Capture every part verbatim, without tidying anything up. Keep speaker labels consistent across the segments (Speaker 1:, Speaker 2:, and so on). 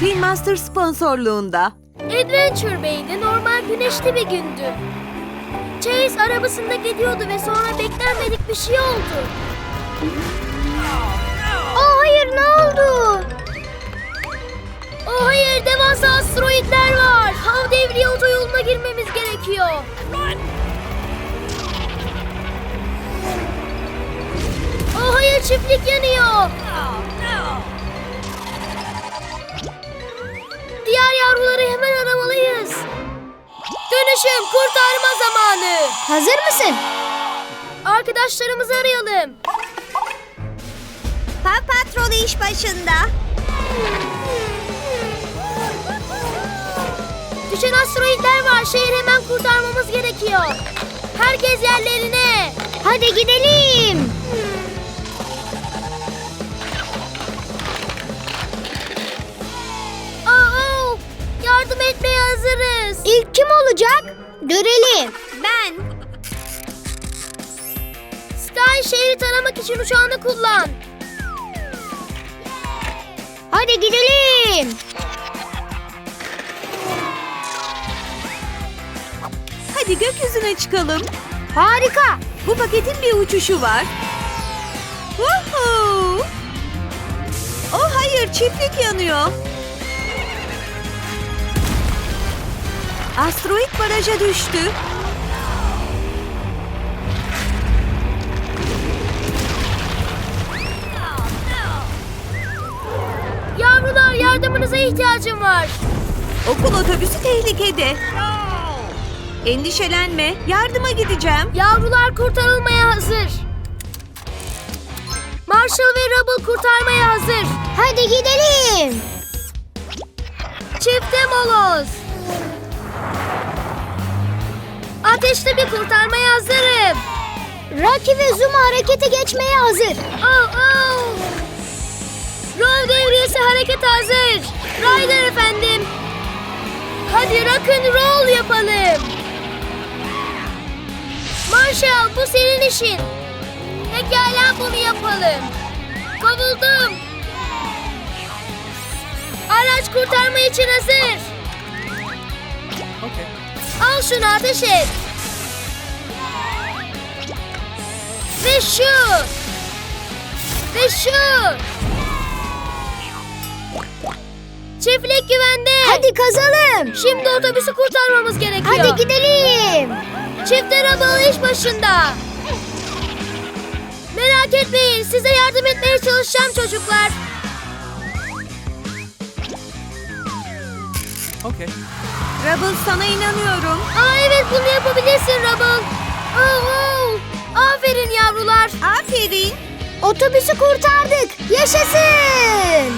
Speaker 1: Spin Master sponsorluğunda.
Speaker 2: Adventure Bay'de normal güneşli bir gündü. Chase arabasında gidiyordu ve sonra beklenmedik bir şey oldu.
Speaker 3: Aa, hayır, ne oldu?
Speaker 2: Oh hayır, devasa asteroidler var. Hav devriye otoyoluna girmemiz gerekiyor. Oh hayır, çiftlik yanıyor. Diğer yavruları hemen aramalıyız. Dönüşüm kurtarma zamanı.
Speaker 3: Hazır mısın?
Speaker 2: Arkadaşlarımızı arayalım.
Speaker 3: Paw Patrol iş başında.
Speaker 2: Düşen asteroidler var. Şehri hemen kurtarmamız gerekiyor. Herkes yerlerine.
Speaker 3: Hadi gidelim.
Speaker 2: Aa, yardım etmeye hazırız.
Speaker 3: İlk kim olacak? Görelim. Ben.
Speaker 2: Sky, şehri taramak için uçağını kullan.
Speaker 3: Hadi gidelim.
Speaker 1: Hadi gökyüzüne çıkalım.
Speaker 3: Harika.
Speaker 1: Bu paketin bir uçuşu var. Woohoo! Oh hayır, çiftlik yanıyor. Asteroid baraja düştü.
Speaker 2: Yavrular, yardımınıza ihtiyacım var.
Speaker 1: Okul otobüsü tehlikede. Endişelenme, yardıma gideceğim.
Speaker 2: Yavrular kurtarılmaya hazır. Marshall ve Rubble kurtarmaya hazır.
Speaker 3: Hadi gidelim.
Speaker 2: Çifte moloz. Ateşli bir kurtarmaya hazırım.
Speaker 3: Rocky ve Zuma harekete geçmeye hazır.
Speaker 2: Oh, oh. Roll devriyesi hareket hazır. Ryder efendim. Hadi rock and roll yapalım. Marshall, bu senin işin. Pekala, bunu yapalım. Kovuldum. Araç kurtarma için hazır.
Speaker 1: Okay.
Speaker 2: Al şunu, ateş et. Ve şu. Ve şu. Çiftlik güvende.
Speaker 3: Hadi kazalım.
Speaker 2: Şimdi otobüsü kurtarmamız gerekiyor.
Speaker 3: Hadi gidelim.
Speaker 2: Çiftler arabalı iş başında. Merak etmeyin, size yardım etmeye çalışacağım çocuklar.
Speaker 1: Okay. Rubble, sana inanıyorum.
Speaker 2: Aa evet, bunu yapabilirsin Rubble. Oh, oh. Aferin yavrular.
Speaker 1: Aferin.
Speaker 3: Otobüsü kurtardık. Yaşasın.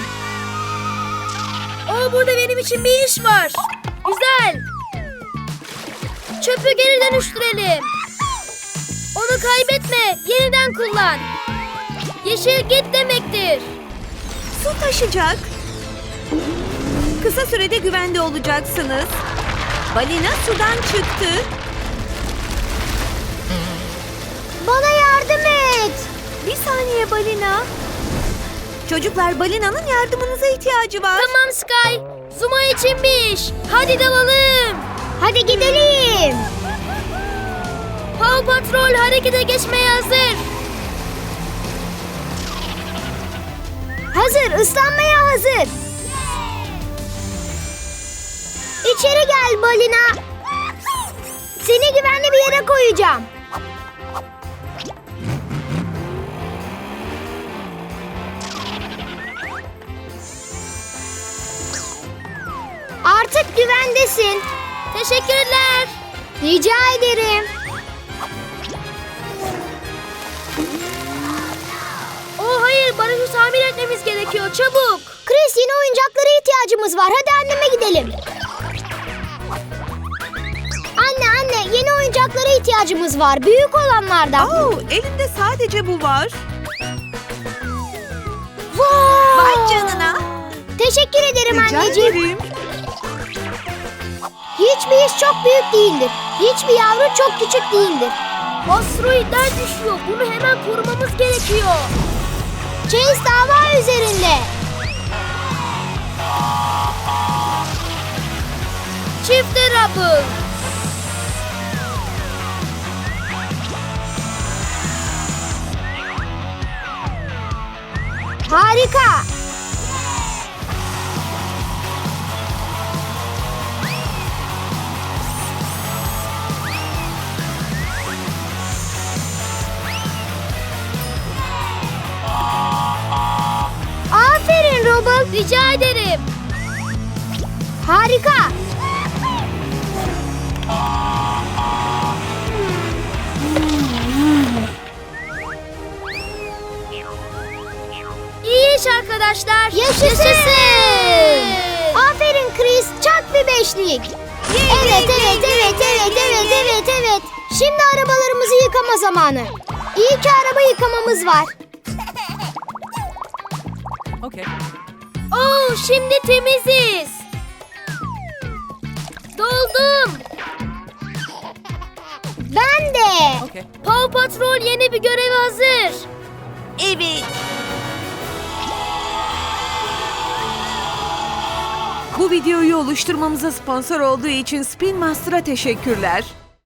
Speaker 2: Oh, burada benim için bir iş var. Güzel. Çöpü geri dönüştürelim. Onu kaybetme, yeniden kullan. Yeşil git demektir.
Speaker 1: Su taşacak. Kısa sürede güvende olacaksınız. Balina sudan çıktı.
Speaker 3: Bana yardım et.
Speaker 1: Bir saniye Balina. Çocuklar, Balina'nın yardımınıza ihtiyacı var.
Speaker 2: Tamam Sky. Zuma için bir iş. Hadi dalalım.
Speaker 3: Hadi gidelim.
Speaker 2: Paw Patrol harekete geçmeye hazır.
Speaker 3: Hazır, ıslanmaya hazır. İçeri gel Balina. Seni güvenli bir yere koyacağım. Artık güvendesin.
Speaker 2: Teşekkürler.
Speaker 3: Rica ederim.
Speaker 2: Oh hayır, barajı tamir etmemiz gerekiyor. Çabuk.
Speaker 3: Chris, yeni oyuncaklara ihtiyacımız var. Hadi anneme gidelim. Anne anne, yeni oyuncaklara ihtiyacımız var. Büyük olanlardan.
Speaker 1: Oo, elimde sadece bu var.
Speaker 3: Vay!
Speaker 1: Vay canına.
Speaker 3: Teşekkür ederim
Speaker 1: Rica
Speaker 3: anneciğim.
Speaker 1: ederim.
Speaker 3: Hiçbir iş çok büyük değildir. Hiçbir yavru çok küçük değildir.
Speaker 2: Asteroidler düşüyor. Bunu hemen korumamız gerekiyor.
Speaker 3: Chase dava üzerinde.
Speaker 2: Rubble.
Speaker 3: Harika. Aferin Rubble.
Speaker 2: Rica ederim.
Speaker 3: Harika.
Speaker 2: İyi iş arkadaşlar.
Speaker 3: Yaşasın. Aferin Chris. Çak bir beşlik. Evet, evet, evet, evet, evet, evet, evet. Şimdi arabalarımızı yıkama zamanı. İyi ki araba yıkamamız var.
Speaker 4: Okay.
Speaker 2: Oo, şimdi temiziz. Doldum.
Speaker 3: Ben de.
Speaker 4: Okay.
Speaker 2: Paw Patrol yeni bir göreve hazır.
Speaker 1: Evet. Bu videoyu oluşturmamıza sponsor olduğu için Spin Master'a teşekkürler.